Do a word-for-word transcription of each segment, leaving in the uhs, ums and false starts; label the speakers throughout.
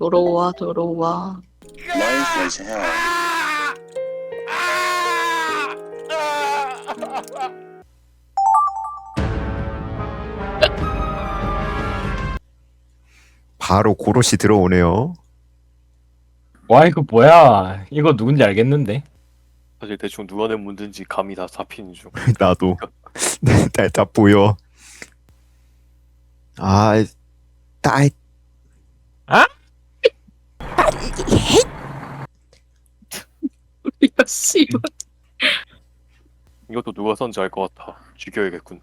Speaker 1: 들어와 들어와.
Speaker 2: Life was hell.
Speaker 3: 바로 고로시 들어오네요.
Speaker 4: 와 이거 뭐야? 이거 누군지 알겠는데?
Speaker 5: 사실 대충 누가 낸 문제인지 감이 다 잡히는 중.
Speaker 3: 나도 다, 다 보여. 아, 따,
Speaker 1: 야 씨발.
Speaker 5: 이것도 누가 썼는지 알 것 같아. 죽여야겠군.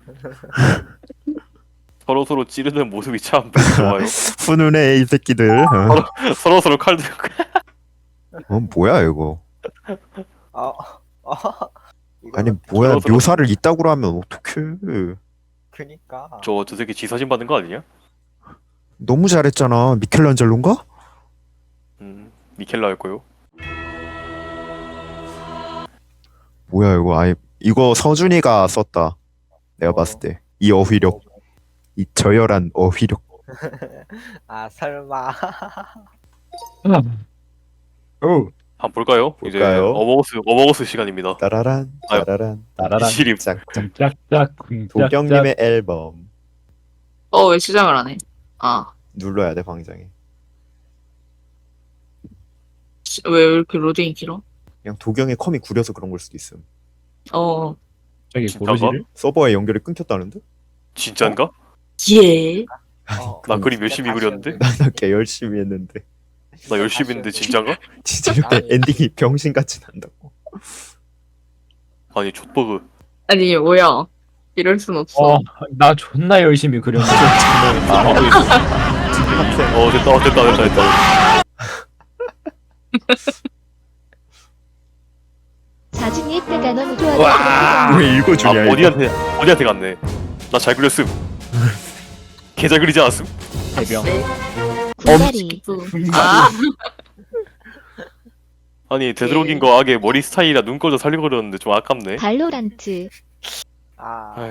Speaker 5: 서로 서로 찌르는 모습이 참 좋아요.
Speaker 3: 훈훈해 이 새끼들. 어,
Speaker 5: 서로 서로 칼 들고.
Speaker 3: 어 뭐야 이거?
Speaker 6: 아, 아, 이거
Speaker 3: 아니 뭐야
Speaker 5: 서로 서로-
Speaker 3: 묘사를 이따구로 하면 어떡해?
Speaker 6: 그니까.
Speaker 5: 저 저 새끼 지사진 받은 거 아니냐?
Speaker 3: 너무 잘했잖아. 미켈란젤로인가?
Speaker 5: 음, 미켈라 할 거요.
Speaker 3: 뭐야 이거? 아니 이거 서준이가 썼다. 내가
Speaker 6: 어.
Speaker 3: 봤을 때 이 어휘력, 이 저열한 어휘력.
Speaker 6: 아, 설마.
Speaker 4: 오
Speaker 5: 한번 볼까요? 이제
Speaker 3: 볼까요?
Speaker 5: 어버거스 어버거스 시간입니다.
Speaker 3: 따라란
Speaker 5: 아유.
Speaker 3: 따라란
Speaker 4: 따라란
Speaker 5: 시립.
Speaker 3: 짝짝.
Speaker 4: 짝짝
Speaker 3: 도경님의 앨범
Speaker 1: 어 왜 시작을 안 해? 아.
Speaker 3: 눌러야 돼 광장에.
Speaker 1: 씨, 왜 이렇게 로딩이 길어?
Speaker 3: 그냥 도경의 컴이 구려서 그런 걸 수도 있음.
Speaker 1: 어.
Speaker 4: 저기
Speaker 5: 진짜가?
Speaker 4: 고로시를?
Speaker 3: 서버에 연결이 끊겼다는데?
Speaker 5: 진짠가?
Speaker 1: 예.
Speaker 6: 어,
Speaker 5: 나 그림
Speaker 6: 진짜
Speaker 5: 열심히
Speaker 6: 다시
Speaker 5: 그렸는데?
Speaker 6: 연결.
Speaker 3: 나나개 열심히 했는데
Speaker 5: 나 열심히 했는데 진짠가?
Speaker 3: 진짜 이렇게
Speaker 6: 아니.
Speaker 3: 엔딩이 병신같이 난다고.
Speaker 5: 아니 족버그.
Speaker 1: 아니 뭐야? 이럴 순 없어.
Speaker 4: 어, 나 존나 열심히 그렸는데
Speaker 5: 하고 있어. 어 됐다 어, 됐다 됐다 됐다.
Speaker 7: 사진이 예쁘다 너무 좋아서
Speaker 3: 왜
Speaker 5: 아
Speaker 3: 읽어주냐 이거?
Speaker 5: 어디한테 어디한테 갔네. 나 잘 그렸음. 개 잘 그리지 않았음?
Speaker 4: 해병.
Speaker 7: 군다리
Speaker 1: 아.
Speaker 5: 아니 되도록인 거 악의 머리 스타일이라 눈꺼도 살리고 그렸는데 좀 아깝네.
Speaker 7: 발로란트
Speaker 6: 아,
Speaker 5: 아휴,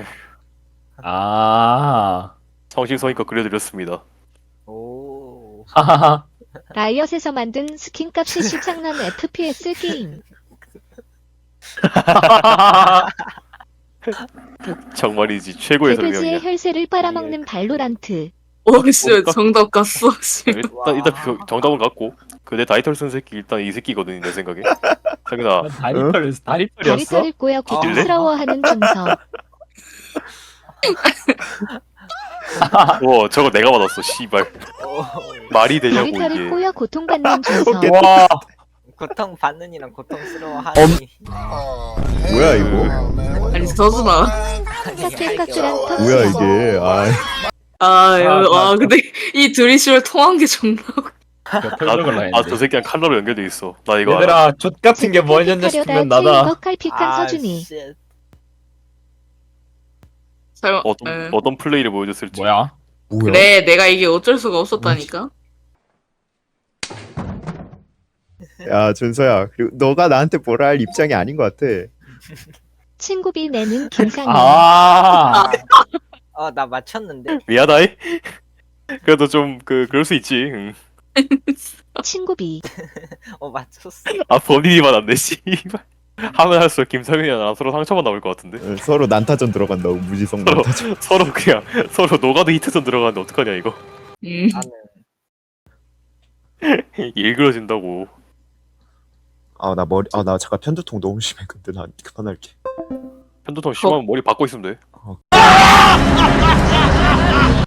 Speaker 4: 아,
Speaker 5: 성심성의껏 그려드렸습니다.
Speaker 6: 오.
Speaker 4: 하하하.
Speaker 7: 라이엇에서 만든 스킨값이 시장난 에프피에스 게임.
Speaker 5: 정말이지 최고의
Speaker 7: 개돼지의
Speaker 5: 설명이야.
Speaker 7: 혈세를 빨아먹는 발로란트.
Speaker 1: 오씨
Speaker 5: 뭘까?
Speaker 1: 정답 갔어. 씨.
Speaker 5: 일단 일단 그 정답은 갖고 그 내 다이털 쓴 새끼 일단 이 새끼거든 내 생각에. 자기나
Speaker 4: 다리털 다리털이었어?
Speaker 7: 다리털을 꼬여 고통스러워하는 준서.
Speaker 5: 와 저거 내가 받았어 씨발.
Speaker 6: 오.
Speaker 5: 말이 되냐고
Speaker 7: 다리털을
Speaker 5: 이게.
Speaker 7: 꼬여 고통받는 준서.
Speaker 4: 와,
Speaker 6: 고통 받는 이랑 고통 스러워하니.
Speaker 3: 뭐야 이거?
Speaker 1: 아니 서준아.
Speaker 7: 삭제값이랑
Speaker 3: 뭐야
Speaker 7: 터치고.
Speaker 3: 이게? 아,
Speaker 1: 아, 아,
Speaker 4: 아,
Speaker 1: 아 근데 이 둘이 씨발 통한 게 존나.
Speaker 4: 표정을
Speaker 5: 아
Speaker 4: 했는데.
Speaker 5: 저 새끼랑 칼라로 연결돼 있어. 나 이거 알아.
Speaker 4: 얘들아, 족 같은 게 뭐였냐 싶으면 나다.
Speaker 7: 벅칼픽한 서준이.
Speaker 6: 쉣.
Speaker 1: 설마.
Speaker 5: 어떤
Speaker 1: 에.
Speaker 5: 어떤 플레이를 보여줬을지.
Speaker 4: 뭐야?
Speaker 3: 뭐야?
Speaker 1: 그래 내가 이게 어쩔 수가 없었다니까.
Speaker 3: 야 준서야, 그리고 너가 나한테 뭐라 할 입장이 아닌 것 같아.
Speaker 7: 친구비 내는 김상현.
Speaker 4: 아,
Speaker 6: 어, 나 맞췄는데.
Speaker 5: 미안하이. 그래도 좀 그 그럴 수 있지. 응.
Speaker 7: 친구비.
Speaker 6: 어, 맞췄어.
Speaker 5: 아 본인이만 안 돼. 씨발. 하면 할수록 김상현이랑 나랑 서로 상처만 나올 것 같은데.
Speaker 3: 어, 서로 난타전 들어간다고. 무지성
Speaker 5: 서로
Speaker 3: 난타전.
Speaker 5: 서로 그냥 서로 노가드 히트전 들어가는데 어떡하냐 이거.
Speaker 1: 음.
Speaker 6: 나는
Speaker 5: 일그러진다고.
Speaker 3: 아 나 머리 아 나 잠깐 편두통 너무 심해. 근데 나 그만할게.
Speaker 5: 편도통 심하면 머리 박고 있으면 돼.